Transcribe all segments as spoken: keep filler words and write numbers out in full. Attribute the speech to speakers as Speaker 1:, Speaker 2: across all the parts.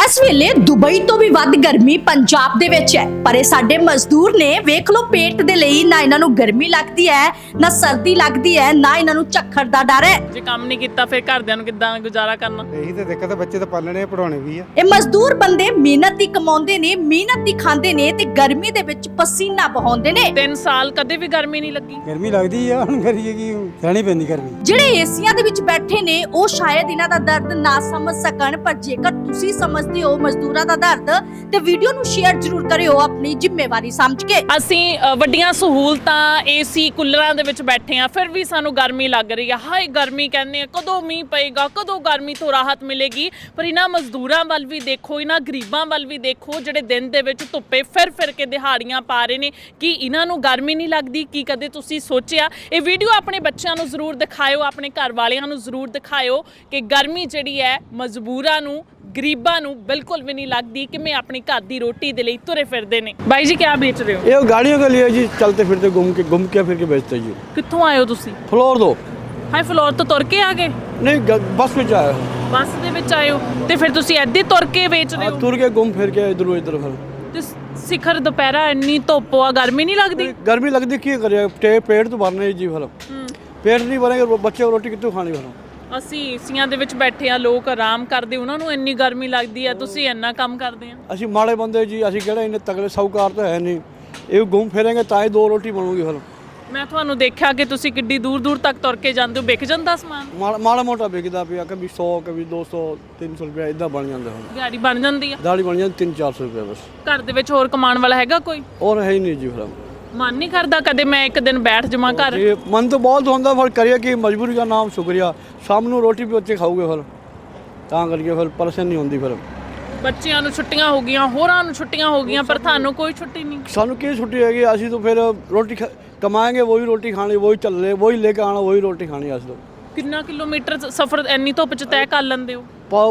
Speaker 1: इस वेले दुबई तो भी वध गर्मी पंजाब दे विच है, पर साडे मजदूर ने वेख लो पेट दे लई ना इन्हां नूं गर्मी लगदी है ना सर्दी लगदी है ना इन्हां नूं झक्खड़ दा डर है।
Speaker 2: जे काम नहीं कीता फिर घरदिਆਂ ਨੂੰ ਕਿੱਦਾਂ ਗੁਜ਼ਾਰਾ ਕਰਨਾ?
Speaker 3: ਇਹੀ ਤਾਂ ਦਿੱਕਤ ਹੈ, ਬੱਚੇ ਤਾਂ ਪਾਲਣੇ ਪੜਾਉਣੇ ਵੀ ਆ।
Speaker 1: ਇਹ ਮਜ਼ਦੂਰ ਬੰਦੇ ਮਿਹਨਤ ਦੀ ਕਮਾਉਂਦੇ ਨੇ, ਮਿਹਨਤ ਦੀ ਖਾਂਦੇ ਨੇ ਤੇ ਗਰਮੀ ਦੇ ਵਿੱਚ ਪਸੀਨਾ ਬਹਾਉਂਦੇ ਨੇ।
Speaker 2: ਤਿੰਨ ਸਾਲ ਕਦੇ ਵੀ ਗਰਮੀ ਨਹੀਂ ਲੱਗੀ।
Speaker 3: ਗਰਮੀ ਲੱਗਦੀ ਆ, ਹੁਣ ਕਰੀਏ ਕੀ, ਸਹਿਣੀ ਪੈਂਦੀ ਗਰਮੀ।
Speaker 1: ਜਿਹੜੇ ਏਸੀਆਂ ਦੇ ਵਿੱਚ ਬੈਠੇ ਨੇ ਉਹ ਸ਼ਾਇਦ ਇਹਨਾਂ ਦਾ ਦਰਦ ਨਾ ਸਮਝ ਸਕਣ, ਪਰ ਜੇਕਰ ਤੁਸੀਂ ਸਮਝਦੇ ਹੋ ਮਜ਼ਦੂਰਾਂ ਦਾ ਦਰਦ ਤੇ ਵੀਡੀਓ ਨੂੰ ਸ਼ੇਅਰ ਜ਼ਰੂਰ ਕਰਿਓ ਆਪਣੀ ਜ਼ਿੰਮੇਵਾਰੀ ਸਮਝ ਕੇ।
Speaker 2: ਅਸੀਂ ਅ, ਵੱਡੀਆਂ ਸਹੂਲਤਾਂ ਏਸੀ ਕੂਲਰਾਂ ਦੇ ਵਿੱਚ ਬੈਠੇ ਆ, ਫਿਰ ਵੀ ਸਾਨੂੰ ਗਰਮੀ ਲੱਗ ਰਹੀ ਆ। ਹਾਏ ਗਰਮੀ ਕਹਿੰਦੇ ਆ, ਕਦੋਂ ਮੀਂਹ ਪਏਗਾ, ਕਦੋਂ ਗਰਮੀ ਤੋਂ ਰਾਹਤ ਮਿਲੇਗੀ। ਪਰ ਇਹਨਾਂ ਮਜ਼ਦੂਰਾਂ ਵੱਲ ਵੀ ਦੇਖੋ, ਇਹਨਾਂ ਗਰੀਬਾਂ ਵੱਲ ਵੀ ਦੇਖੋ, ਜਿਹੜੇ ਦਿਨ ਦੇ ਵਿੱਚ ਧੁੱਪੇ ਫਿਰ ਫਿਰ ਕੇ ਦਿਹਾੜੀਆਂ ਪਾ ਰਹੇ ਨੇ। ਕੀ ਇਹਨਾਂ ਨੂੰ ਗਰਮੀ ਨਹੀਂ ਲੱਗਦੀ? ਕੀ ਕਦੇ ਤੁਸੀਂ ਸੋਚਿਆ? ਇਹ ਵੀਡੀਓ ਆਪਣੇ ਬੱਚਿਆਂ ਨੂੰ ਜ਼ਰੂਰ ਦਿਖਾਇਓ, ਆਪਣੇ ਘਰ ਵਾਲਿਆਂ ਨੂੰ ਜ਼ਰੂਰ ਦਿਖਾਇਓ ਕਿ ਗਰਮੀ ਜਿਹੜੀ ਹੈ ਮਜ਼ਦੂਰਾਂ ਨੂੰ, ਗਰੀਬਾਂ ਨੂੰ ਬਿਲਕੁਲ ਵੀ नहीं लगती कि मैं अपनी घर की रोटी दे लिए तुरे फिरते ने। भाई जी क्या बेच रहे हो?
Speaker 4: ये गाड़ियों के लिए जी, चलते फिरते घूम के घूम के फिर के बेचते जी।
Speaker 2: कित्थों आए हो तुसी?
Speaker 4: फ्लोर दो।
Speaker 2: हाय फ्लोर तो तुर के आ गए?
Speaker 4: नहीं ग- बस में आए हो।
Speaker 2: बस दे विच आए हो ते फिर तुसी ऐदे तुर के बेच रहे हो?
Speaker 4: तुर के घूम फिर के इधर इधर फिर
Speaker 2: ते सिखर दोपहरा इन्नी धुप्प आ, गर्मी नहीं लगती?
Speaker 4: गर्मी लगती की करे, पेट तो भरना ही जी फिर। पेट नहीं भरेंगे बच्चे को रोटी कितों खानी फिर?
Speaker 2: ਅਸੀਂ ਏਸੀਆਂ ਦੇ ਵਿੱਚ ਬੈਠੇ ਆ, ਲੋਕ ਆਰਾਮ ਕਰਦੇ, ਉਹਨਾਂ ਨੂੰ ਇੰਨੀ ਗਰਮੀ ਲੱਗਦੀ ਆ, ਤੁਸੀਂ ਇੰਨਾ ਕੰਮ ਕਰਦੇ ਆ।
Speaker 4: ਅਸੀਂ ਮਾੜੇ ਬੰਦੇ ਜੀ, ਅਸੀਂ ਕਿਹੜੇ ਇੰਨੇ ਤਗੜੇ ਸਾਹੂਕਾਰ ਤਾਂ ਹੈ ਨਹੀਂ। ਇਹ ਘੁੰਮ ਫਿਰਾਂਗੇ ਤਾਂ ਹੀ ਦੋ ਰੋਟੀ ਬਣੂਗੀ ਫਿਰ।
Speaker 2: ਮੈਂ ਤੁਹਾਨੂੰ ਦੇਖਿਆ ਕਿ ਤੁਸੀਂ ਕਿੱਡੀ ਦੂਰ ਦੂਰ ਤੱਕ ਤੁਰ ਕੇ ਜਾਂਦੇ ਹੋ। ਵਿਕ ਜਾਂਦਾ ਸਮਾਨ?
Speaker 4: ਮਾੜਾ ਮਾੜਾ ਮੋਟਾ ਵਿਕਦਾ ਪਿਆ, ਕभी सौ कभी दो सौ तीन सौ ਰੁਪਏ ਇਦਾਂ ਬਣ ਜਾਂਦਾ ਹੁਣ।
Speaker 2: ਦਿਹਾੜੀ ਬਣ ਜਾਂਦੀ ਆ?
Speaker 4: ਦਾੜੀ ਬਣ ਜਾਂਦੀ ਤਿੰਨ ਚਾਰ ਸੌ ਰੁਪਏ ਬਸ।
Speaker 2: ਘਰ ਦੇ ਵਿੱਚ ਹੋਰ ਕਮਾਉਣ ਵਾਲਾ ਹੈਗਾ ਕੋਈ?
Speaker 4: ਔਰ ਹੈ ਹੀ ਨਹੀਂ ਜੀ ਫਿਰ।
Speaker 2: ਮਨ ਨਹੀਂ ਕਰਦਾ ਕਦੇ ਮੈਂ ਇੱਕ ਦਿਨ ਬੈਠ ਜਾਵਾਂ ਘਰ?
Speaker 4: ये मन तो बहुत होता पर करिए कि मजबूरी का नाम शुक्रिया। शाम ਨੂੰ रोटी भी बच्चे खाओगे फिर, ਤਾਂ ਕਰਕੇ ਫਿਰ ਪਰੇਸ਼ਾਨੀ ਹੁੰਦੀ ਫਿਰ।
Speaker 2: ਬੱਚਿਆਂ ਨੂੰ ਛੁੱਟੀਆਂ ਹੋ ਗਈਆਂ, ਹੋਰਾਂ ਨੂੰ ਛੁੱਟੀਆਂ ਹੋ ਗਈਆਂ, ਪਰ ਤੁਹਾਨੂੰ ਕੋਈ ਛੁੱਟੀ ਨਹੀਂ।
Speaker 4: ਸਾਨੂੰ ਕੀ ਛੁੱਟੀ ਹੈਗੀ? ਅਸੀਂ ਤਾਂ ਫਿਰ ਰੋਟੀ ਕਮਾएंगे, वही रोटी खानी, वही चल रहे, वही लेके आना, वही रोटी खानी। ਅਸੀਂ ਤਾਂ
Speaker 2: ਕਿੰਨਾ ਕਿਲੋਮੀਟਰ ਸਫ਼ਰ ਇੰਨੀ ਧੁੱਪ ਚ ਤੈਅ ਕਰ ਲੈਂਦੇ ਹੋ?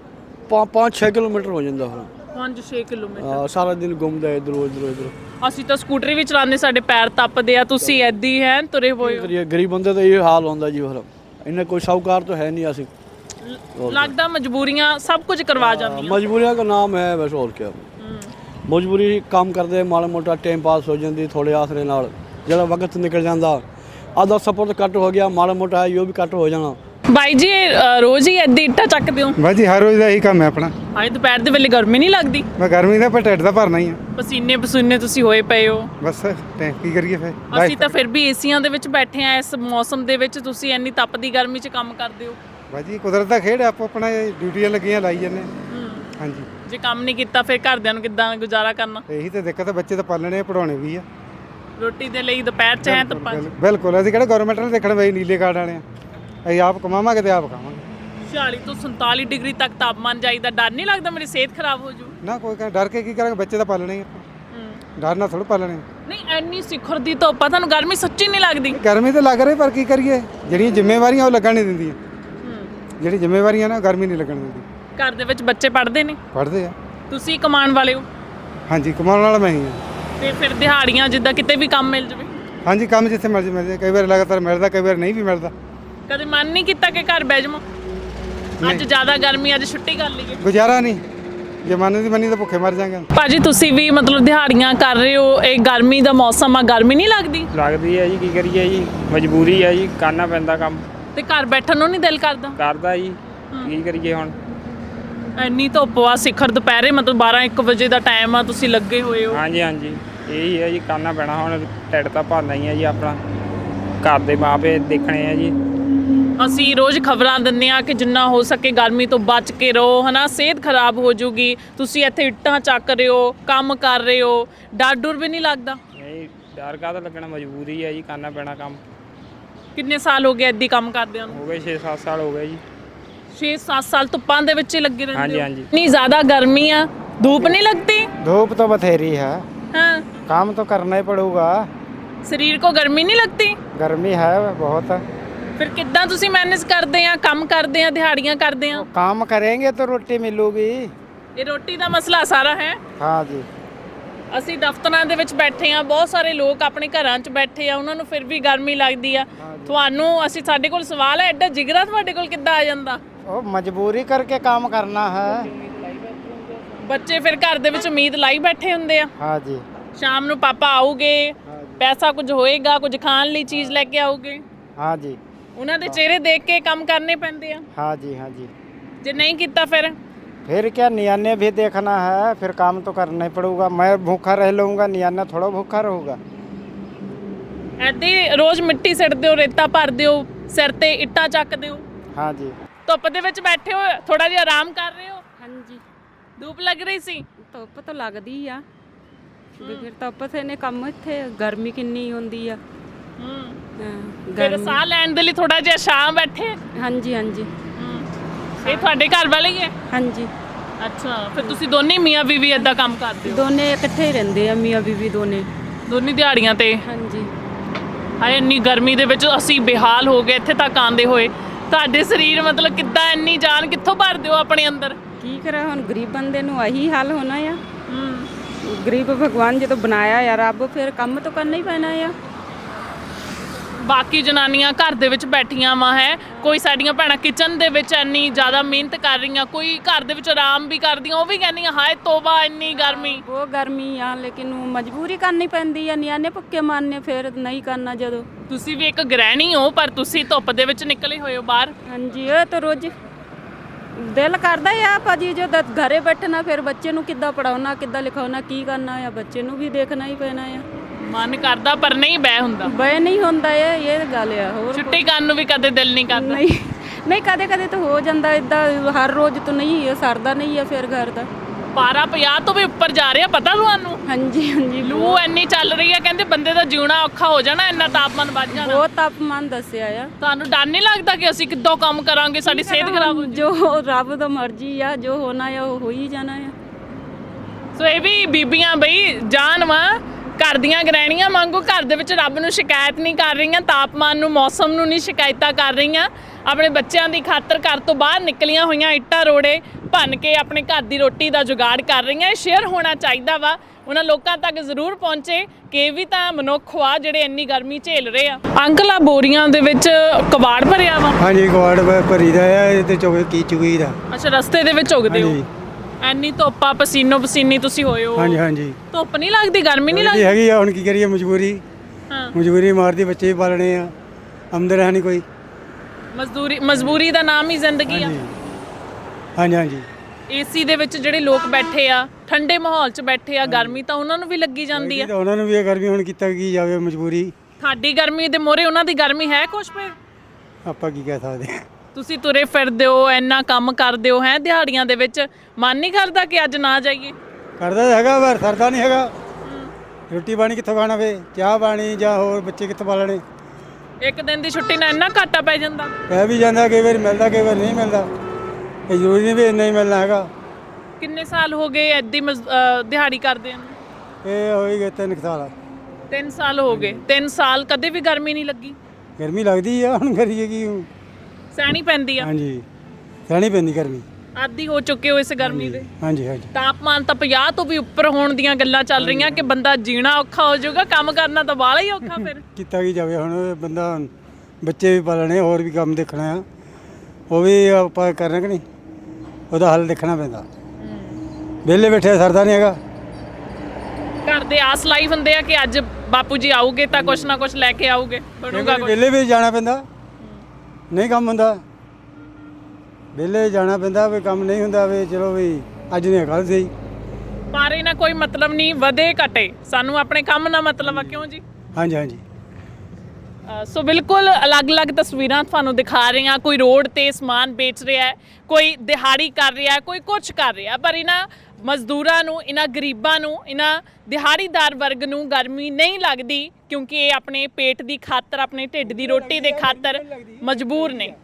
Speaker 4: ਪੰਜ ਛੇ ਕਿਲੋਮੀਟਰ ਹੋ ਜਾਂਦਾ ਫਿਰ।
Speaker 2: ਪੰਜ ਛੇ ਕਿਲੋਮੀਟਰ
Speaker 4: ਹਾਂ, ਸਾਰਾ ਦਿਨ ਘੁੰਮਦਾ ਇਧਰੋਂ ਇਧਰੋਂ ਇਧਰੋਂ।
Speaker 2: ਅਸੀਂ ਤਾਂ ਸਕੂਟਰੀ ਵੀ ਚਲਾਉਂਦੇ, ਸਾਡੇ ਪੈਰ ਤਪਦੇ ਆ, ਤੁਸੀਂ ਐਦੀ ਹੈ ਤੁਰੇ ਹੋਏ ਹੋ।
Speaker 4: ਕਰੀਏ ਗਰੀਬ ਬੰਦੇ ਦਾ ਇਹ ਹਾਲ ਹੁੰਦਾ ਜੀ ਫਿਰ। ਇੰਨਾ ਕੋਈ ਸਾਹੂਕਾਰ ਤਾਂ ਹੈ ਨਹੀਂ। ਅਸੀਂ
Speaker 2: ਲੱਗਦਾ ਮਜਬੂਰੀਆਂ ਸਭ ਕੁਝ ਕਰਵਾ ਜਾਂਦੀਆਂ।
Speaker 4: ਮਜਬੂਰੀਆਂ ਦਾ ਨਾਮ ਹੈ ਬਸ, ਹੋਰ ਕੀ। ਮਜਬੂਰੀ ਕੰਮ ਕਰਦੇ, ਮਾੜਾ ਮੋਟਾ ਟਾਈਮ ਪਾਸ ਹੋ ਜਾਂਦੀ ਥੋੜੇ ਆਸਰੇ ਨਾਲ। ਜਿਹੜਾ ਵਕਤ ਨਿਕਲ ਜਾਂਦਾ, ਆਧਾ ਸਫ਼ਰ ਤਾਂ ਕੱਟ ਹੋ ਗਿਆ, ਮਾੜਾ ਮੋਟਾ ਇਹ ਵੀ ਕੱਟ ਹੋ ਜਾਣਾ।
Speaker 2: ਬਾਈ ਜੀ ਅ, ਰੋਜ਼ ਹੀ ਐਦੀ ਇੱਟਾਂ ਚੱਕਦੇ ਹੋ?
Speaker 3: ਬਾਜੀ ਹਰ ਰੋਜ਼ ਦਾ ਇਹੀ ਕੰਮ ਹੈ ਆਪਣਾ।
Speaker 2: ਹਾਂ, ਦੁਪਹਿਰ ਦੇ ਵੇਲੇ ਗਰਮੀ ਨਹੀਂ ਲੱਗਦੀ?
Speaker 3: ਮੈਂ ਗਰਮੀ ਦਾ ਪਰ ਢਿੱਡ ਦਾ ਭਰਨਾ ਹੀ ਆ।
Speaker 2: ਪਸੀਨੇ ਪਸੀਨੇ ਤੁਸੀਂ ਹੋਏ ਪਏ ਹੋ।
Speaker 3: ਬਸ ਤੇ ਕੀ ਕਰੀਏ ਫਿਰ।
Speaker 2: ਅਸੀਂ ਤਾਂ ਫਿਰ ਵੀ ਏਸੀਆਂ ਦੇ ਵਿੱਚ ਬੈਠੇ ਆ, ਇਸ ਮੌਸਮ ਦੇ ਵਿੱਚ ਤੁਸੀਂ ਇੰਨੀ ਤਪਦੀ ਗਰਮੀ 'ਚ ਕੰਮ ਕਰਦੇ ਹੋ।
Speaker 3: ਬਾਜੀ ਕੁਦਰਤ ਦਾ ਖੇਡ, ਆਪੋ ਆਪਣਾ ਡਿਊਟੀਆਂ ਲੱਗੀਆਂ ਲਾਈ ਜਾਂਦੇ। ਹਾਂਜੀ,
Speaker 2: ਜੇ ਕੰਮ ਨਹੀਂ ਕੀਤਾ ਫਿਰ ਘਰਦਿਆਂ ਨੂੰ ਕਿੱਦਾਂ ਗੁਜ਼ਾਰਾ ਕਰਨਾ?
Speaker 3: ਇਹੀ ਤਾਂ ਦਿੱਕਤ ਹੈ, ਬੱਚੇ ਤਾਂ ਪਾਲਣੇ ਪੜਾਉਣੇ ਵੀ ਆ।
Speaker 2: ਰੋਟੀ ਦੇ ਲਈ ਦੁਪਹਿਰ 'ਚ ਹੈ ਤਾਂ
Speaker 3: ਬਿਲ- ਬਿਲਕੁਲ। ਅਸੀਂ ਕਿਹੜਾ ਗਵਰਨਮੈਂਟ ਨਾਲ ਦੇਖਣ ਬਈ ਨੀਲੇ ਕਾਰਡ ਵਾਲੇ ਆ। ਅਸੀਂ ਆਪ ਕਮਾਵਾਂਗੇ ਤੇ ਆਪ ਖਾਵਾਂਗੇ।
Speaker 2: ਛਿਆਲੀ ਤੋਂ ਸੰਤਾਲੀ ਡਿਗਰੀ ਤੱਕ ਤਾਪਮਾਨ ਜਾਈਦਾ, ਡਰ ਨਹੀਂ ਲੱਗਦਾ ਮੇਰੀ ਸਿਹਤ ਖਰਾਬ ਹੋ ਜੂ?
Speaker 3: ਨਾ ਕੋਈ ਕਹਿ- ਡਰ ਕੇ ਕੀ ਕਰਾਂਗੇ, ਬੱਚੇ ਤਾਂ ਪਾਲਣੇ ਹੀ ਆਪਾਂ। ਡਰ ਨਾਲ ਥੋੜ੍ਹਾ ਪਾਲਣੇ।
Speaker 2: ਨਹੀਂ ਐਨੀ ਸਿਖਰ ਦੀ ਧੁੱਪ ਆ, ਤੁਹਾਨੂੰ ਗਰਮੀ ਸੱਚੀ ਨਹੀਂ ਲੱਗਦੀ?
Speaker 3: ਗਰਮੀ ਤਾਂ ਲੱਗ ਰਹੀ, ਪਰ ਕੀ ਕਰੀਏ, ਜਿਹੜੀਆਂ ਜ਼ਿੰਮੇਵਾਰੀਆਂ ਉਹ ਲੱਗਣ ਨਹੀਂ ਦਿੰਦੀਆਂ। ਜਿਹੜੀ ਜ਼ਿੰਮੇਵਾਰੀਆਂ ਨਾ ਗਰਮੀ ਨਹੀਂ ਲੱਗਣ ਦਿੰਦੀ।
Speaker 2: ਘਰ ਦੇ ਵਿੱਚ ਬੱਚੇ ਪੜ੍ਹਦੇ ਨੇ?
Speaker 3: ਪੜ੍ਹਦੇ ਆ।
Speaker 2: ਤੁਸੀਂ ਕਮਾਉਣ ਵਾਲੇ ਹੋ?
Speaker 3: ਹਾਂਜੀ, ਕਮਾਉਣ ਵਾਲਾ ਮੈਂ ਹੀ ਹਾਂ।
Speaker 2: ਤੇ ਫਿਰ ਦਿਹਾੜੀਆਂ ਜਿੱਦਾਂ ਕਿਤੇ ਵੀ ਕੰਮ ਮਿਲ ਜਾਵੇ?
Speaker 3: ਹਾਂਜੀ, ਕੰਮ ਜਿੱਥੇ ਮਰਜ਼ੀ ਮਿਲ ਜਾਏ। ਕਈ ਵਾਰ ਲਗਾਤਾਰ ਮਿਲਦਾ, ਕਈ ਵਾਰ ਨਹੀਂ ਵੀ ਮਿਲਦਾ।
Speaker 2: ਕਦੇ ਮਨ ਨਹੀਂ ਕੀਤਾ ਕਿ ਘਰ ਬਹਿ ਜਾਵਾਂ, ਅੱਜ ਜ਼ਿਆਦਾ ਗਰਮੀ, ਅੱਜ ਛੁੱਟੀ ਕਰ ਲਈਏ?
Speaker 3: ਗੁਜ਼ਾਰਾ ਨਹੀਂ, ਜੇ ਮੰਨ ਦੀ ਮੰਨੀ ਤਾਂ ਭੁੱਖੇ ਮਰ ਜਾਵਾਂਗੇ।
Speaker 2: ਭਾਜੀ ਤੁਸੀਂ ਵੀ ਮਤਲਬ ਦਿਹਾੜੀਆਂ ਕਰ ਰਹੇ ਹੋ, ਇਹ ਗਰਮੀ ਦਾ ਮੌਸਮ ਆ, ਗਰਮੀ ਨਹੀਂ ਲੱਗਦੀ?
Speaker 5: ਲੱਗਦੀ ਹੈ ਜੀ, ਕੀ ਕਰੀਏ ਜੀ, ਮਜਬੂਰੀ ਹੈ ਜੀ, ਕਰਨਾ ਪੈਂਦਾ ਕੰਮ।
Speaker 2: ਤੇ ਘਰ ਬੈਠਣ ਨੂੰ ਨਹੀਂ ਦਿਲ ਕਰਦਾ?
Speaker 5: ਕਰਦਾ ਜੀ, ਕੀ ਕਰੀਏ ਹੁਣ।
Speaker 2: ਇੰਨੀ ਧੁੱਪ ਆ, ਸਿਖਰ ਦੁਪਹਿਰੇ ਮਤਲਬ ਬਾਰਾਂ ਇੱਕ ਵਜੇ ਦਾ ਟਾਈਮ ਆ, ਤੁਸੀਂ ਲੱਗੇ ਹੋਏ ਹੋ।
Speaker 5: ਹਾਂਜੀ ਹਾਂਜੀ, ਇਹੀ ਹੈ ਜੀ, ਕਰਨਾ ਪੈਣਾ ਹੁਣ। ਢਿੱਡ ਤਾਂ ਭਰਨਾ ਹੀ ਹੈ ਜੀ ਆਪਣਾ, ਘਰ ਦੇ ਮਾਪੇ ਦੇਖਣੇ ਆ ਜੀ।
Speaker 2: ਅਸੀਂ ਰੋਜ਼ ਖਬਰਾਂ ਦਿੰਦੇ ਆ ਕਿ ਜਿੰਨਾ ਹੋ ਸਕੇ ਗਰਮੀ ਤੋਂ ਬਚ ਕੇ ਰਹੋ, ਹਨਾ, ਸਿਹਤ ਖਰਾਬ ਹੋ ਜੂਗੀ। ਤੁਸੀਂ ਇੱਥੇ ਇੱਟਾਂ ਚੱਕ ਰਹੇ ਹੋ, ਕੰਮ ਕਰ ਰਹੇ ਹੋ, ਡਰ ਡਰ ਵੀ ਨਹੀਂ ਲੱਗਦਾ?
Speaker 5: ਨਹੀਂ, ਡਰ ਕਾਹਦਾ ਲੱਗਣਾ, ਮਜਬੂਰੀ ਹੈ ਜੀ, ਕਰਨਾ ਪੈਣਾ ਕੰਮ।
Speaker 2: ਕਿੰਨੇ ਸਾਲ ਹੋ ਗਏ ਇੱਦਾਂ ਕੰਮ ਕਰਦਿਆਂ ਨੂੰ?
Speaker 5: ਹੋ ਗਏ ਛੇ ਸੱਤ ਸਾਲ ਹੋ ਗਏ ਜੀ।
Speaker 2: ਛੇ ਸੱਤ ਸਾਲ ਧੁੱਪਾਂ ਦੇ ਵਿੱਚ ਹੀ ਲੱਗੇ ਰਹਿੰਦੇ ਹੋ?
Speaker 5: ਹਾਂਜੀ ਹਾਂਜੀ।
Speaker 2: ਨਹੀਂ ਜ਼ਿਆਦਾ ਗਰਮੀ ਆ, ਧूप नहीं लगती?
Speaker 3: धूप तो बथेरी है,
Speaker 2: हाँ,
Speaker 3: काम तो करना ही पड़ेगा।
Speaker 2: शरीर को गर्मी नहीं लगती?
Speaker 3: गर्मी है बहुत।
Speaker 2: फिर कितना तुसी मैनेज करते हैं, काम करते हैं, दिहाड़ियां करते हैं?
Speaker 3: काम करेंगे तो रोटी मिलेगी।
Speaker 2: ये रोटी का मसला सारा है।
Speaker 3: हाँ जी।
Speaker 2: ਅਸੀਂ ਦਫ਼ਤਰਾਂ ਦੇ ਵਿੱਚ ਬੈਠੇ ਆ, ਬਹੁਤ ਸਾਰੇ ਲੋਕ ਆਪਣੇ ਘਰਾਂ 'ਚ ਬੈਠੇ ਆ, ਉਹਨਾਂ ਨੂੰ ਫਿਰ ਵੀ ਗਰਮੀ ਲੱਗਦੀ ਆ। ਤੁਹਾਨੂੰ ਅਸੀਂ ਸਾਡੇ ਕੋਲ ਸਵਾਲ ਹੈ, ਐਡਾ ਜਿਗਰਾ ਤੁਹਾਡੇ ਕੋਲ ਕਿੱਦਾਂ ਆ ਜਾਂਦਾ?
Speaker 3: ਉਹ ਮਜਬੂਰੀ ਕਰਕੇ ਕੰਮ ਕਰਨਾ ਹੈ।
Speaker 2: ਬੱਚੇ ਫਿਰ ਘਰ ਦੇ ਵਿੱਚ ਉਮੀਦ ਲਾਈ ਬੈਠੇ ਹੁੰਦੇ ਆ
Speaker 5: ਹਾਂ ਜੀ
Speaker 2: ਸ਼ਾਮ ਨੂੰ ਪਾਪਾ ਆਉਗੇ ਪੈਸਾ ਕੁਝ ਹੋਏਗਾ ਕੁਝ ਖਾਣ ਲਈ ਚੀਜ਼ ਲੈ ਕੇ ਆਉਗੇ
Speaker 5: ਹਾਂ ਜੀ
Speaker 2: ਉਹਨਾਂ ਦੇ ਚਿਹਰੇ ਦੇਖ ਕੇ ਕੰਮ ਕਰਨੇ ਪੈਂਦੇ ਆ
Speaker 5: हाँ जी हाँ जी
Speaker 2: ਜੇ ਨਹੀਂ ਕੀਤਾ ਫਿਰ
Speaker 5: फिर क्या नियाने भी देखना है फिर काम तो करना ही पड़ेगा मैं भूखा रह लूँगा नियाना थोड़ा भूखा रहूँगा
Speaker 2: ਐਦੇ ਰੋਜ਼ ਮਿੱਟੀ ਸਿੱਟਦੇ ਹੋ ਰੇਤਾ ਭਰਦੇ ਹੋ ਸਿਰ ਤੇ ਇੱਟਾਂ ਚੱਕਦੇ ਹੋ
Speaker 5: हाँ जी
Speaker 2: ਧੁੱਪ ਦੇ ਵਿੱਚ ਬੈਠੇ ਹੋ ਥੋੜਾ ਜਿਹਾ ਆਰਾਮ ਕਰ ਰਹੇ ਹੋ
Speaker 6: ਹਾਂਜੀ
Speaker 2: ਧੂਪ ਲੱਗ ਰਹੀ ਸੀ
Speaker 6: ਧੁੱਪ ਤਾਂ ਲੱਗਦੀ ਆ ਵੀ ਫਿਰ ਧੁੱਪ ਤੇ ਨੇ ਕੰਮ ਇੱਥੇ ਗਰਮੀ ਕਿੰਨੀ ਹੁੰਦੀ ਆ
Speaker 2: ਹੂੰ
Speaker 6: ਹਾਂ,
Speaker 2: ਫਿਰ
Speaker 6: ਗਰਮੀ
Speaker 2: ਸਾਹ ਲੈਣ ਦੇ ਲਈ ਥੋੜਾ ਜਿਹਾ ਛਾਂ ਬੈਠੇ
Speaker 6: ਹਾਂਜੀ ਹਾਂਜੀ
Speaker 2: ਇਹ ਤੁਹਾਡੇ ਘਰ ਵਾਲੇ ਹੀ ਹੈ
Speaker 6: ਹਾਂਜੀ
Speaker 2: ਅੱਛਾ ਫਿਰ ਤੁਸੀਂ ਦੋਨੇ ਮੀਆਂ ਬੀਵੀ ਏਦਾਂ ਕੰਮ ਕਰਦੇ ਹੋ
Speaker 6: ਦੋਨੇ ਇਕੱਠੇ ਹੀ ਰਹਿੰਦੇ ਆ ਮੀਆਂ ਬੀਵੀ ਦੋਨੇ
Speaker 2: ਦੋਨੀ ਦਿਹਾੜੀਆਂ ਤੇ
Speaker 6: ਹਾਂਜੀ
Speaker 2: ਹਾਏ ਇੰਨੀ ਗਰਮੀ ਦੇ ਵਿੱਚ ਅਸੀਂ ਬੇਹਾਲ ਹੋ ਗਏ ਇੱਥੇ ਤੱਕ ਆਂਦੇ ਹੋਏ ਤੁਹਾਡੇ ਸਰੀਰ ਮਤਲਬ ਕਿੱਦਾਂ ਇੰਨੀ ਜਾਨ ਕਿੱਥੋਂ ਭਰਦੇ ਹੋ ਆਪਣੇ ਅੰਦਰ
Speaker 6: ਕੀ ਕਰਾਂ ਹੁਣ ਗਰੀਬ ਬੰਦੇ ਨੂੰ ਆਹੀ ਹਾਲ ਹੋਣਾ ਆ
Speaker 2: ਹੂੰ
Speaker 6: ਗਰੀਬ ਭਗਵਾਨ ਜਦੋਂ ਬਣਾਇਆ ਆ ਰੱਬ ਫਿਰ ਕੰਮ ਤਾਂ ਕਰਨਾ ਹੀ ਪੈਣਾ ਆ
Speaker 2: ਬਾਕੀ ਜਨਾਨੀਆਂ ਘਰ ਦੇ ਵਿੱਚ ਬੈਠੀਆਂ ਵਾ ਹੈ ਕੋਈ ਸਾਡੀਆਂ ਭੈਣਾਂ ਕਿਚਨ ਦੇ ਵਿੱਚ ਇੰਨੀ ਜ਼ਿਆਦਾ ਮਿਹਨਤ ਕਰ ਰਹੀਆਂ ਕੋਈ ਘਰ ਦੇ ਵਿੱਚ ਆਰਾਮ ਵੀ ਕਰਦੀਆਂ ਉਹ ਵੀ ਕਹਿੰਦੀਆਂ ਹਾਏ ਤੋਬਾ ਇੰਨੀ ਗਰਮੀ
Speaker 6: ਬਹੁਤ ਗਰਮੀ ਆ ਲੇਕਿਨ ਉਹ ਮਜਬੂਰੀ ਕਰਨੀ ਪੈਂਦੀ ਆ ਨਿਆਣੇ ਭੁੱਖੇ ਮਾਰਨੇ ਫਿਰ ਨਹੀਂ ਕਰਨਾ ਜਦੋਂ
Speaker 2: ਤੁਸੀਂ ਵੀ ਇੱਕ ਗ੍ਰਹਿਣੀ ਹੋ ਪਰ ਤੁਸੀਂ ਧੁੱਪ ਦੇ ਵਿੱਚ ਨਿਕਲੇ ਹੋਏ ਹੋ ਬਾਹਰ
Speaker 6: ਹਾਂਜੀ ਇਹ ਤਾਂ ਰੋਜ਼ ਦਿਲ ਕਰਦਾ ਆ ਭਾਜੀ ਜੋ ਦ- ਘਰੇ ਬੈਠਣਾ ਫਿਰ ਬੱਚੇ ਨੂੰ ਕਿੱਦਾਂ ਪੜਾਉਣਾ ਕਿੱਦਾਂ ਲਿਖਾਉਣਾ ਕੀ ਕਰਨਾ ਆ ਬੱਚੇ ਨੂੰ ਵੀ ਦੇਖਣਾ ਹੀ ਪੈਣਾ ਆ
Speaker 2: ਮਨ ਕਰਦਾ ਪਰ ਨਹੀਂ ਬਹਿ ਹੁੰਦਾ
Speaker 6: ਬੈ ਨਹੀਂ ਹੁੰਦਾ ਇਹ ਇਹ ਗੱਲ ਆ ਹੋਰ
Speaker 2: ਛੁੱਟੀ ਕਰਨ ਨੂੰ ਵੀ ਕਦੇ ਦਿਲ ਨਹੀਂ ਕਰਦਾ
Speaker 6: ਨਹੀਂ ਨਹੀਂ ਕਦੇ ਕਦੇ ਤਾਂ ਹੋ ਜਾਂਦਾ ਇਦਾਂ ਹਰ ਰੋਜ਼ ਤਾਂ ਨਹੀਂ ਇਹ ਸਰਦਾ ਨਹੀਂ ਆ ਫਿਰ ਘਰ ਦਾ
Speaker 2: ਪਾਰਾ ਪੰਜਾਹ ਤੋਂ ਵੀ ਉੱਪਰ ਜਾ ਰਿਹਾ ਪਤਾ ਤੁਹਾਨੂੰ
Speaker 6: ਹਾਂਜੀ ਹਾਂਜੀ
Speaker 2: ਲੂ ਇੰਨੀ ਚੱਲ ਰਹੀ ਹੈ ਕਹਿੰਦੇ ਬੰਦੇ ਦਾ ਜਿਉਣਾ ਔਖਾ ਹੋ ਜਾਣਾ ਇੰਨਾ ਤਾਪਮਾਨ ਵੱਧ ਜਾਣਾ
Speaker 6: ਬਹੁਤ ਤਾਪਮਾਨ ਦੱਸਿਆ ਆ
Speaker 2: ਤੁਹਾਨੂੰ ਡਰ ਨਹੀਂ ਲੱਗਦਾ ਕਿ ਅਸੀਂ ਕਿੱਦਾਂ ਕੰਮ ਕਰਾਂਗੇ ਸਾਡੀ ਸਿਹਤ ਖਰਾਬ ਹੋ
Speaker 6: ਜੋ ਰੱਬ ਦਾ ਮਰਜ਼ੀ ਆ ਜੋ ਹੋਣਾ ਆ ਉਹ ਹੋ ਹੀ ਜਾਣਾ ਆ
Speaker 2: ਸੋ ਇਹ ਵੀ ਬੀਬੀਆਂ ਬਈ ਜਾਨ ਵਾ ਘਰ ਦੀਆਂ ਗ੍ਰਹਿਣੀਆਂ ਵਾਂਗੂ ਘਰ ਦੇ ਵਿੱਚ ਰੱਬ ਨੂੰ ਸ਼ਿਕਾਇਤ ਨਹੀਂ ਕਰ ਰਹੀਆਂ ਤਾਪਮਾਨ ਨੂੰ ਮੌਸਮ ਨੂੰ ਨਹੀਂ ਸ਼ਿਕਾਇਤਾਂ ਕਰ ਰਹੀਆਂ ਆਪਣੇ ਬੱਚਿਆਂ ਦੀ ਖਾਤਰ ਘਰ ਤੋਂ ਬਾਹਰ ਨਿਕਲੀਆਂ ਹੋਈਆਂ ਇੱਟਾਂ ਰੋੜੇ ਭੰਨ ਕੇ ਆਪਣੇ ਘਰ ਦੀ ਰੋਟੀ ਦਾ ਜੁਗਾੜ ਕਰ ਰਹੀਆਂ ਇਹ ਸ਼ੇਅਰ ਹੋਣਾ ਚਾਹੀਦਾ ਵਾ ਉਹਨਾਂ ਲੋਕਾਂ ਤੱਕ ਜ਼ਰੂਰ ਪਹੁੰਚੇ ਕਿ ਇਹ ਵੀ ਤਾਂ ਮਨੁੱਖ ਆ ਜਿਹੜੇ ਇੰਨੀ ਗਰਮੀ ਝੇਲ ਰਹੇ ਆ ਅੰਕਲ ਆ ਬੋਰੀਆਂ ਦੇ ਵਿੱਚ ਕਬਾੜ ਭਰਿਆ ਵਾ
Speaker 3: ਹਾਂਜੀ ਗਵਾੜ ਭਰੀ ਦਾ ਆ ਇਹ ਤੇ ਚੁਗ ਕੀ ਚੁਗੀ ਦਾ
Speaker 2: ਅੱਛਾ ਰਸਤੇ ਦੇ ਵਿੱਚ ਉਗਦੇ ਹੋ
Speaker 3: ਹਾਂਜੀ
Speaker 2: ਐਨੀ ਧੁੱਪ ਆ ਪਸੀਨੋ ਪਸੀਨੀ ਤੁਸੀਂ ਹੋਏ ਹੋ
Speaker 3: ਹਾਂਜੀ ਹਾਂਜੀ
Speaker 2: ਧੁੱਪ ਨਹੀਂ ਲੱਗਦੀ ਗਰਮੀ ਨਹੀਂ
Speaker 3: ਇਹ
Speaker 2: ਲੱਗਦੀ
Speaker 3: ਹੈਗੀ ਆ ਹੁਣ ਕੀ ਕਰੀਏ ਮਜਬੂਰੀ
Speaker 2: ਹਾਂ
Speaker 3: ਮਜਬੂਰੀ ਮਾਰਦੀ ਬੱਚੇ ਵੀ ਪਾਲਣੇ ਆ ਆਮਦਨ ਹੈ ਨਹੀਂ ਕੋਈ
Speaker 2: ਮਜ਼ਦੂਰੀ ਮਜਬੂਰੀ ਦਾ ਨਾਮ ਹੀ ਜ਼ਿੰਦਗੀ ਆ
Speaker 3: ਹਾਂਜੀ ਹਾਂਜੀ
Speaker 2: ਏਸੀ ਦੇ ਵਿੱਚ ਜਿਹੜੇ ਲੋਕ ਬੈਠੇ ਆ ਠੰਡੇ ਮਾਹੌਲ 'ਚ ਬੈਠੇ ਆ ਗਰਮੀ ਤਾਂ ਉਹਨਾਂ ਨੂੰ ਵੀ ਲੱਗੀ ਜਾਂਦੀ ਆ
Speaker 3: ਤਾਂ ਉਹਨਾਂ ਨੂੰ ਵੀ ਇਹ ਗਰਮੀ ਹੁਣ ਕੀਤਾ ਕੀ ਜਾਵੇ ਮਜਬੂਰੀ
Speaker 2: ਤੁਹਾਡੀ ਗਰਮੀ ਦੇ ਮੋਰੇ ਉਹਨਾਂ ਦੀ ਗਰਮੀ ਹੈ ਕੁਛ ਫਿਰ
Speaker 3: ਆਪਾਂ ਕੀ ਕਹਿ ਸਕਦੇ ਹਾਂ
Speaker 2: ਤੁਸੀਂ ਤੁਰੇ ਫਿਰਦੇ ਹੋ ਇੰਨਾ ਕੰਮ ਕਰਦੇ ਹੋ ਹੈ ਦਿਹਾੜੀਆਂ ਦੇ ਵਿੱਚ ਮਨ ਨਹੀਂ ਕਰਦਾ ਕਿ ਅੱਜ ਨਾ ਜਾਈਏ
Speaker 3: ਕਰਦਾ ਤਾਂ ਹੈਗਾ ਪਰ ਸਰਦਾ ਨਹੀਂ ਹੈਗਾ ਰੋਟੀ ਪਾਣੀ ਕਿੱਥੋਂ ਖਾਣਾ ਵੇ ਚਾਹ ਪਾਣੀ ਜਾਂ ਹੋਰ ਬੱਚੇ ਕਿੱਥੋਂ ਪਾਲਣੇ
Speaker 2: ਇੱਕ ਦਿਨ ਦੀ ਛੁੱਟੀ ਨਾਲ ਇੰਨਾ ਘਾਟਾ ਪੈ ਜਾਂਦਾ
Speaker 3: ਪੈ ਵੀ ਜਾਂਦਾ ਕਈ ਵਾਰ ਮਿਲਦਾ ਕਈ ਵਾਰ ਨਹੀਂ ਮਿਲਦਾ ਇਹ ਜ਼ਰੂਰੀ ਨਹੀਂ ਵੀ ਇੰਨਾ ਹੀ ਮਿਲਣਾ ਹੈਗਾ
Speaker 2: ਕਿੰਨੇ ਸਾਲ ਹੋ ਗਏ ਐਦੀ ਦਿਹਾੜੀ ਕਰਦੇ ਨੂੰ
Speaker 3: ਇਹ ਹੋਈ ਗਏ ਤਿੰਨ ਕੁ ਸਾਲ
Speaker 2: ਤਿੰਨ ਸਾਲ ਹੋ ਗਏ ਤਿੰਨ ਸਾਲ ਕਦੇ ਵੀ ਗਰਮੀ ਨਹੀਂ ਲੱਗੀ
Speaker 3: ਗਰਮੀ ਲੱਗਦੀ ਆ ਹੁਣ ਕਰੀਏ ਕੀ ਹੁਣ?
Speaker 2: ਸਹਿਣੀ ਪੈਂਦੀ ਆ
Speaker 3: ਹਾਂਜੀ ਸਹਿਣੀ ਪੈਂਦੀ ਗਰਮੀ
Speaker 2: ਆਦੀ ਹੋ ਚੁੱਕੇ ਹੋ ਇਸ ਗਰਮੀ ਦੇ
Speaker 3: ਹਾਂਜੀ ਹਾਂਜੀ
Speaker 2: ਤਾਪਮਾਨ ਤਾਂ ਪੰਜਾਹ ਤੋਂ ਵੀ ਉੱਪਰ ਹੋਣ ਦੀਆਂ ਗੱਲਾਂ ਚੱਲ ਰਹੀਆਂ ਕਿ ਬੰਦਾ ਜੀਣਾ ਔਖਾ ਹੋ ਜਾਊਗਾ ਕੰਮ ਕਰਨਾ ਤਾਂ ਬਾਹਲਾ ਹੀ ਔਖਾ ਫਿਰ
Speaker 3: ਕੀਤਾ ਕੀ ਜਾਵੇ ਹੁਣ ਬੰਦਾ ਬੱਚੇ ਵੀ ਪਾਲਣੇ ਹੋਰ ਵੀ ਕੰਮ ਦੇਖਣਾ ਆ ਉਹ ਵੀ ਆਪਾਂ ਕਰਨਾ ਕਿ ਨਹੀਂ ਉਹਦਾ ਹੱਲ ਦੇਖਣਾ ਪੈਂਦਾ ਵਿਹਲੇ ਬੈਠੇ ਸਰਦਾ ਨਹੀਂ ਹੈਗਾ
Speaker 2: ਘਰ ਦੇ ਆਸ ਲਾਈ ਹੁੰਦੇ ਆ ਕਿ ਅੱਜ ਬਾਪੂ ਜੀ ਆਉਗੇ ਤਾਂ ਕੁਛ ਨਾ ਕੁਛ ਲੈ ਕੇ ਆਉਗੇ ਬਣੂਗਾ ਕੁਛ।
Speaker 3: ਵਿਹਲੇ ਵੀ ਜਾਣਾ ਪੈਂਦਾ ਨਹੀਂ ਕੰਮ ਹੁੰਦਾ ਵਿਹਲੇ ਜਾਣਾ ਪੈਂਦਾ ਵੀ ਕੰਮ ਨਹੀਂ ਹੁੰਦਾ ਵੀ ਚਲੋ ਵੀ ਅੱਜ ਨਹੀਂ ਕੱਲ੍ਹ ਸਹੀ
Speaker 2: ਪਰ ਇਹਨਾਂ ਕੋਈ ਮਤਲਬ ਨਹੀਂ ਵਧੇ ਘਟੇ ਸਾਨੂੰ ਆਪਣੇ ਕੰਮ ਨਾਲ ਮਤਲਬ ਆ ਕਿਉਂ ਜੀ
Speaker 3: ਹਾਂਜੀ ਹਾਂਜੀ
Speaker 2: ਅ, ਸੋ ਬਿਲਕੁਲ ਅਲੱਗ-ਅਲੱਗ ਤਸਵੀਰਾਂ ਤੁਹਾਨੂੰ ਦਿਖਾ ਰਹੇ ਹਾਂ ਕੋਈ ਰੋਡ ਤੇ ਸਮਾਨ ਵੇਚ ਰਿਹਾ ਹੈ ਕੋਈ ਦਿਹਾੜੀ ਕਰ ਰਿਹਾ ਹੈ ਕੋਈ ਕੁਝ ਕਰ ਰਿਹਾ ਪਰ ਇਹਨਾਂ ਮਜ਼ਦੂਰਾਂ ਨੂੰ ਇਹਨਾਂ ਗਰੀਬਾਂ ਨੂੰ ਇਹਨਾਂ ਦਿਹਾੜੀਦਾਰ ਵਰਗ ਨੂੰ ਗਰਮੀ ਨਹੀਂ ਲੱਗਦੀ ਕਿਉਂਕਿ ਇਹ ਆਪਣੇ ਪੇਟ ਦੀ ਖਾਤਰ ਆਪਣੇ ਢਿੱਡ ਦੀ ਰੋਟੀ ਦੇ ਖਾਤਰ ਮਜਬੂਰ ਨੇ